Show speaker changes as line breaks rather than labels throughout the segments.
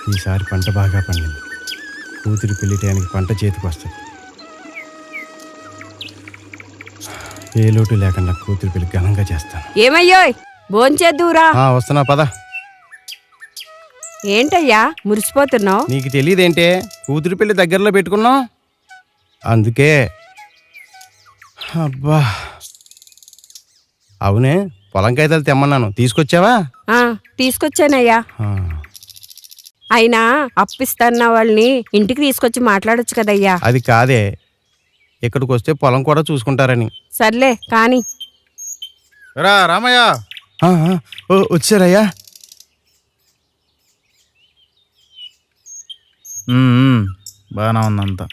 ఈసారి పంట బాగా పండింది. కూతురి పెళ్లి టయానికి పంట చేతికి వస్తుంది. ఏ లోటు లేకుండా కూతురి పెళ్లి ఘనంగా చేస్తాను.
ఏమయ్యోయ్ భోంచేద్దురా.
వస్తున్నా పద.
ఏంటయ్యా మురిసిపోతున్నావు?
నీకు తెలియదేంటే, కూతురి పెళ్లి దగ్గరలో పెట్టుకున్నావు అందుకే. అబ్బా అవునే, పొలం కాగితాలు తెమ్మన్నాను, తీసుకొచ్చావా?
తీసుకొచ్చానయ్యా. అయినా అప్పిస్తాన్న వాళ్ళని ఇంటికి తీసుకొచ్చి మాట్లాడొచ్చు కదయ్యా.
అది కాదే, ఇక్కడికి వస్తే పొలం కూడా చూసుకుంటారని.
సర్లే కాని.
రా రామయ్య.
వచ్చారయ్యా.
బాగానే ఉందంతా.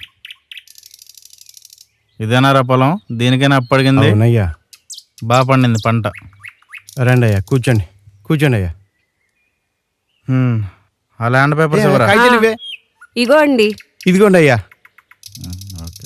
ఇదేనారా పొలం? దీనికైనా అప్పడిగింది?
అవునయ్యా.
బాగా పండింది పంట.
రండి అయ్యా, కూర్చోండి కూర్చోండి అయ్యా.
ఆ ల్యాండ్ పేపర్స్ ఇవ్వరా?
ఇగో అండి.
ఇదిగోండి అయ్యా.
ఓకే.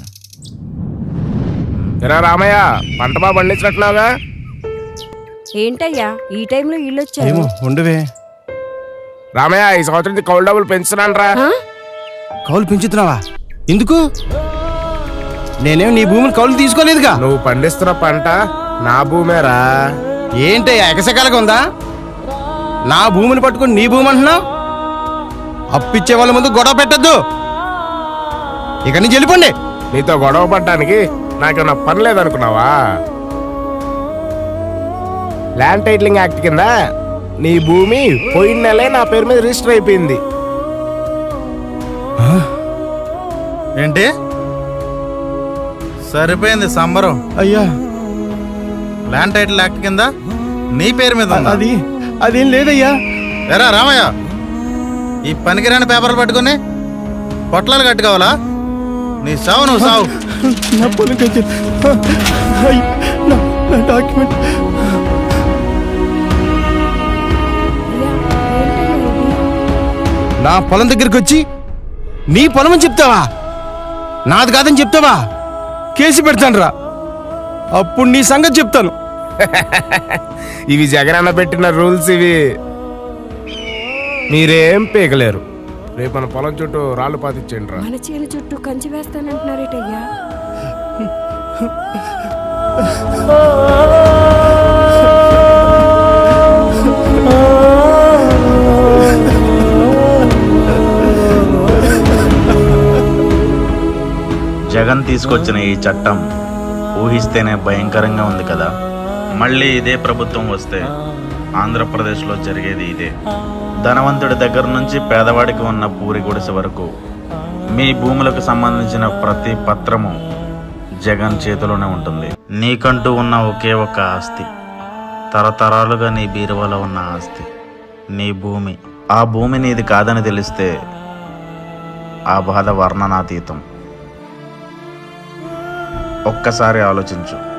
రామయ్య, పంట బాగా పండించినట్లుగా.
ఏంటయ్యా ఈ టైంలో ఇల్లు వచ్చారు?
ఏమో ఉండవే.
రామయ్య, ఈ సంవత్సరం కౌలు డబ్బులు పెంచుతున్నాను రా.
కౌలు పెంచుతున్నావా? ఎందుకు? నేనేం నీ భూమిని కౌలు తీసుకోలేదుగా.
నువ్వు పండిస్తున్న పంట నా భూమేరా.
ఏంటయ్యా ఎకసకాలుగా ఉందా? నా భూమిని పట్టుకుని నీ భూమి అంటున్నావు? అప్పిచ్చే వాళ్ళ ముందు గొడవ పెట్టద్దు. ఇక నుంచి వెళ్ళిపోండి.
నీతో గొడవ పడ్డానికి నాకేమన్నా పని లేదనుకున్నావా? ల్యాండ్ టైటిలింగ్ యాక్ట్ కింద నీ భూమి పోయిన నెలే నా పేరు మీద రిజిస్టర్ అయిపోయింది.
ఏంటి? సరిపోయింది సంబరం.
అయ్యా,
ల్యాండ్ టైటిల్ యాక్ట్ కింద నీ పేరు మీద ఉందా?
అదేం లేదయ్యా.
ఎరా రామయ్య, ఈ పనికిరాని పేపర్లు పట్టుకుని పొట్లాలు కట్టుకోవాలా? నీ సావు నువ్వు సావు.
నా పొలం డాక్యుమెంట్. నా పొలం దగ్గరికి వచ్చి నీ పొలం అని చెప్తావా? నాది కాదని చెప్తావా? కేసు పెడతాను రా, అప్పుడు నీ సంగతి చెప్తాను.
ఇవి జగనన్న పెట్టిన రూల్స్. ఇవి మీరేం పీకలేరు. రేపు మన పొలం చుట్టూ రాళ్ళు పాతిచ్చేయండి రా.
మన చేను చుట్టూ కంచి వేస్తానంటున్నారేటయ్యా.
జగన్ తీసుకొచ్చిన ఈ చట్టం ఊహిస్తేనే భయంకరంగా ఉంది కదా. మళ్ళీ ఇదే ప్రభుత్వం వస్తే ఆంధ్రప్రదేశ్లో జరిగేది ఇదే. ధనవంతుడి దగ్గర నుంచి పేదవాడికి ఉన్న పూరి గుడిసె వరకు మీ భూములకు సంబంధించిన ప్రతి పత్రము జగన్ చేతిలోనే ఉంటుంది. నీకంటూ ఉన్న ఒకే ఒక ఆస్తి, తరతరాలుగా నీ బీరువాలో ఉన్న ఆస్తి, నీ భూమి. ఆ భూమి నీది కాదని తెలిస్తే ఆ బాధ వర్ణనాతీతం. ఒక్కసారి ఆలోచించు.